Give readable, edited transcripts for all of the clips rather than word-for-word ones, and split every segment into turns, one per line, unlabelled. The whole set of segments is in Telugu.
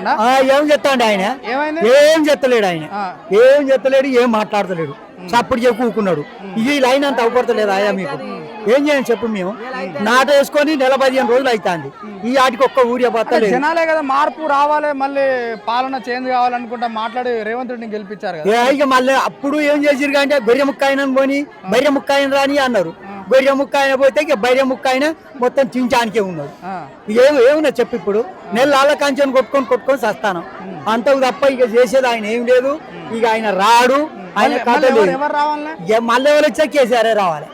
ఏం చెప్తాండి ఆయన, ఏం చెత్తలేడు ఆయన, ఏం చెత్తలేడు, ఏం మాట్లాడతలేడు, చప్పుడు కూకున్నాడు. ఈ లైన్ అంత అవపడతలేదు ఆయా మీకు ఏం చేయండి చెప్పు. మేము నాట వేసుకొని 15 రోజులు అవుతుంది, ఈ ఆటికి ఒక్క ఊరియా బతలేదు.
జనాలే కదా మార్పు రావాలి, మళ్ళీ పాలన చేంజ్ కావాలనుకుంటా మాట్లాడి రేవంత్ రెడ్డిని గెలిపించారు కదా.
ఇక మళ్ళీ అప్పుడు ఏం చేసిరు అంటే గొర్రె ముక్క ఆయన పోని బర్రె ముక్క ఆయన రాని అన్నారు. గొర్రె ముక్క ఆయన పోతే ఇక బర్రె ముక్క ఆయన మొత్తం తించానికే ఉన్నాడు. ఏమున్నా చెప్పు. ఇప్పుడు నెల కంచెను కొట్టుకొని చస్తాను అంతకు తప్ప ఇక చేసేది ఆయన ఏం లేదు. ఇక ఆయన రాడు, ఆయన మళ్ళీ ఎవరు వచ్చా కేసీఆర్ రావాలి.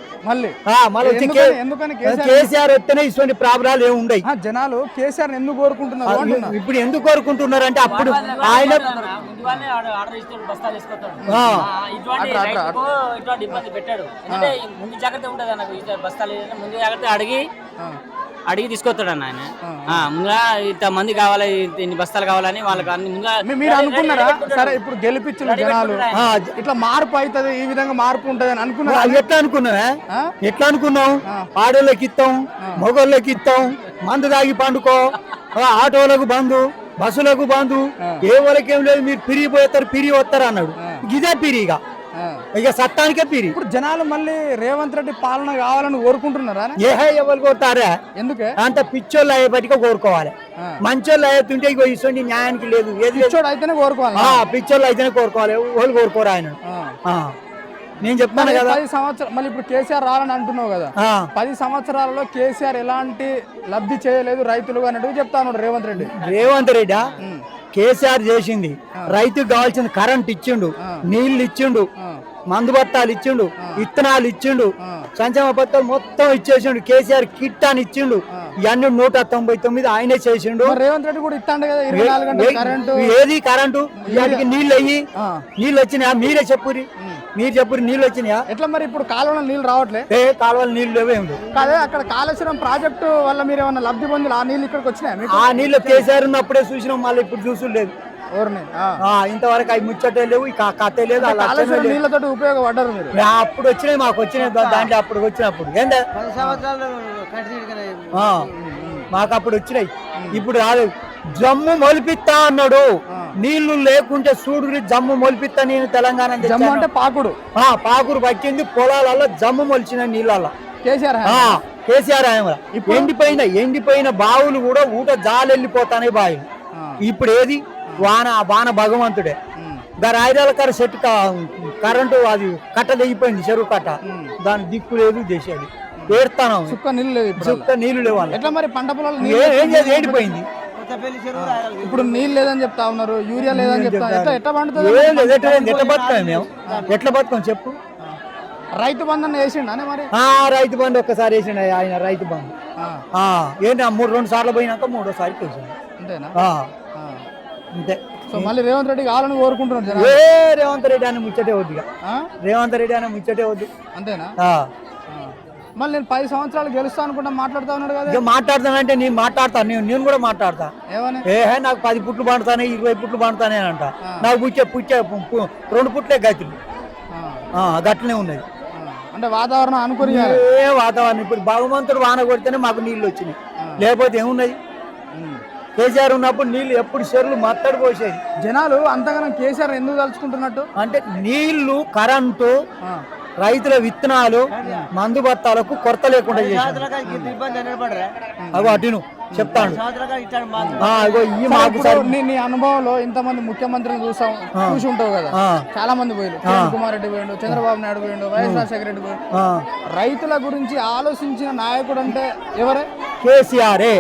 కేసీఆర్ వస్తేనే ఇటువంటి ప్రాబ్లాలు ఏమి ఉండవు.
జనాలు కేసీఆర్ ఎందుకు కోరుకుంటున్నారు,
ఇప్పుడు ఎందుకు కోరుకుంటున్నారు అంటే అప్పుడు ఆయన
అడిగి తీసుకొస్తాడు అన్న ఆయన. ముందుగా ఇంత మంది కావాలి, ఇన్ని బస్తాలు కావాలని వాళ్ళకి అన్ని ముందుగా.
మీరు అనుకున్నారా సరే ఇప్పుడు గెలిపించిన జనాలు ఇట్లా మార్పు అవుతుంది, ఈ విధంగా మార్పు ఉంటది అని అనుకున్నా?
ఎట్లా అనుకున్నాం? ఆడోళ్ళకి ఇస్తాం, మగోళ్ళకి ఇస్తాం, మందు తాగి పండుకో, ఆటోలకు బంధు, బస్సులకు బంధు, ఏ వాళ్ళకి ఏం లేదు, మీరు పిరిగి పోతారు పిరిగి వస్తారు అన్నాడు. ఇదే పిరిగా ఇక సత్తానికే పిరి.
ఇప్పుడు జనాలు మళ్ళీ రేవంత్ రెడ్డి పాలన కావాలని కోరుకుంటున్నారా?
ఎవరు కోరుతారా?
ఎందుకే
అంత పిచ్చోళ్ళు అయ్యేపటిగా కోరుకోవాలి. మంచోళ్ళు అయ్యేతుంటే ఇగో ఇటువంటి న్యాయానికి లేదు.
అయితేనే కోరుకోవాలి,
పిచ్చోళ్ళు అయితేనే కోరుకోవాలి, వాళ్ళు కోరుకోరు ఆయన. నేను చెప్తాను కదా
10 సంవత్సరాలు మళ్ళీ ఇప్పుడు కేసీఆర్ రాలని అంటున్నావు కదా, 10 సంవత్సరాలలో కేసీఆర్ ఎలాంటి లబ్ధి చేయలేదు రైతులు అన్నట్టు చెప్తాను రేవంత్ రెడ్డి.
కేసీఆర్ చేసింది రైతుకు కావాల్సిన కరెంట్ ఇచ్చిండు, నీళ్లు ఇచ్చిండు, మందు బత్తాలు ఇచ్చిండు, విత్తనాలు ఇచ్చిండు, సంక్షేమ పత్రాలు మొత్తం ఇచ్చేసిండు. కేసీఆర్ కిట్ అని ఇచ్చిండు. ఇవన్నీ 199 ఆయనే చేసిండు.
రేవంత్ రెడ్డి కూడా ఇస్తాడు కదా 24 గంటలు కరెంటు.
ఏది కరెంటు? వాటికి నీళ్ళు అయ్యి నీళ్ళు వచ్చినాయా? మీరే చెప్పురి, మీరు చెప్పురి, నీళ్ళు వచ్చినాయా?
ఎట్లా మరి ఇప్పుడు కాలువలో నీళ్ళు రావట్లే?
కాలువలు నీళ్ళు లేవు.
కాదే అక్కడ కాళేశ్వరం ప్రాజెక్టు వల్ల మీరు ఏమన్నా లబ్ధి పొంది ఆ నీళ్ళు ఇక్కడికి వచ్చినాయి?
ఆ నీళ్ళు కేసీఆర్ ఉన్నప్పుడే చూసినాం, మళ్ళీ ఇప్పుడు చూసులేదు. ఇంతవరకు అవి ముచ్చటే లేవు, కథే లేదు.
నీళ్ళతో ఉపయోగపడ్డారు మీరు?
అప్పుడు వచ్చినాయి, మాకు వచ్చినాయి దాంట్లో. అప్పుడు వచ్చినప్పుడు ఏందా మాకు అప్పుడు వచ్చినాయి, ఇప్పుడు రాలేదు. జమ్ము మొలిపిస్తా అన్నాడు, నీళ్లు లేకుంటే చూడు జమ్ము మొలిపిస్తా. నేను తెలంగాణ
అంటే
పాకురు పట్టింది, పొలాలలో జమ్ము మొలిచిన నీళ్ళల్లో
కేసీఆర్
ఎండిపోయిన బావులు కూడా ఊట జాలెళ్ళిపోతానే బావులు. ఇప్పుడు ఏది వాన భగవంతుడే. రాయిరాల కర సెట్ కరెంటు అది కట్ట తెగిపోయింది, చెరువు కట్ట, దాని దిక్కు లేదు, చేసేది ఏడుతాను.
చుక్క నీళ్లు లేవు.
ఎట్లా మరి పంట పొలాలు ఏడిపోయింది.
ఇప్పుడు నీళ్ళు లేదని చెప్తా ఉన్నారు, యూరియా లేదని చెప్తా. ఎట్లా పండుతుంది?
ఎట్లా బతుకాం మేము? ఎట్లా బతుకాం చెప్పు?
రైతు బంధు వేసిండా మరి?
రైతు బంధు ఒక్కసారి వేసిండు ఆయన. రైతు బంధు ఏంటి 2 సార్లు పోయినాక 3వ వేసిండు.
అంతేనా?
అంతే.
సో మళ్ళీ రేవంత్ రెడ్డి కావాలని కోరుకుంటున్నారు.
రేవంత్ రెడ్డి అని ముచ్చటే వద్దు, రేవంత్ రెడ్డి అని ముచ్చటే వద్దు.
అంతేనా? మళ్ళీ నేను 10 సంవత్సరాలు గెలుస్తా అనుకుంటా మాట్లాడుతా ఉన్నాడు కదా.
మాట్లాడతానంటే నేను మాట్లాడతాను, నేను కూడా మాట్లాడతా.
ఏమని?
నాకు 10 పుట్లు పండుతానే, 20 పుట్లు పండుతానే అంట. నాకు పుచ్చే 2 పుట్లే గతులు గట్లనే ఉన్నది.
అంటే వాతావరణం అనుకుని
వాతావరణం ఇప్పుడు భగవంతుడు వాన కొడితేనే మాకు నీళ్ళు వచ్చినాయి, లేకపోతే ఏమున్నది? కేసీఆర్ ఉన్నప్పుడు నీళ్లు ఎప్పుడు చెరువులు మత్తడి పోసేది.
జనాలు అంతగానం కేసీఆర్ ఎందుకు తలుచుకుంటున్నట్టు
అంటే నీళ్లు, కరెంటు, రైతుల విత్తనాలు, మందు బత్తాలకు కొరత లేకుండా చేశారు. అటు చెప్తాను.
నీ అనుభవంలో ఇంతమంది ముఖ్యమంత్రులను చూసి ఉంటావు కదా, చాలా మంది పోయిండు. కిరణ్ కుమార్ రెడ్డి పోయిండు, చంద్రబాబు నాయుడు పోయిండు, వైఎస్ రాజశేఖర రెడ్డి పోయిండు. రైతుల గురించి ఆలోచించిన నాయకుడు అంటే ఎవరే?
కేసీఆరే.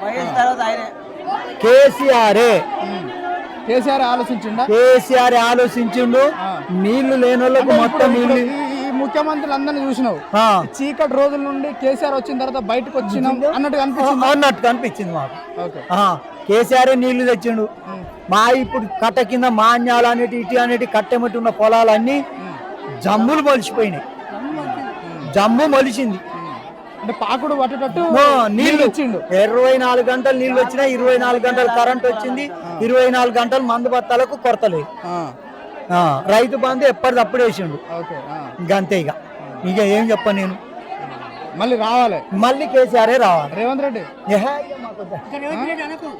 కేసీఆర్ ఆలోచించిండా?
కేసీఆర్ ఆలోచించిండు. నీళ్లు లేని వాళ్ళకు మొత్తం నీళ్లు.
ముఖ్యమంత్రులు అందరినీ చూసినావు, చీకటి రోజుల నుండి కేసీఆర్ వచ్చిన తర్వాత బయటకు వచ్చినాం అన్నట్టు
కనిపించింది మాకు. కేసీఆర్ నీళ్లు తెచ్చిండు. మా ఇప్పుడు కట్ట కింద మాన్యాలు అనేటి ఇటు అనేటి కట్టెమట్టి ఉన్న పొలాలన్నీ జమ్ములు మొలిచిపోయినాయి. జమ్ము మొలిచింది
అంటే పాకుడు పట్టేటట్టు
నీళ్లు ఇచ్చిండు. 24 గంటలు నీళ్లు వచ్చినాయి, 24 గంటలు కరెంట్ వచ్చింది, 24 గంటలు మందు బత్తాలకు కొరత లేదు. రైతు బంధు ఎప్పటిదప్పుడు వేసిండు. ఇంకంతే. ఇక ఏం చెప్పను నేను.
మళ్ళీ రావాలి,
మళ్ళీ కేసీఆర్ రావాలి.
రేవంత్ రెడ్డి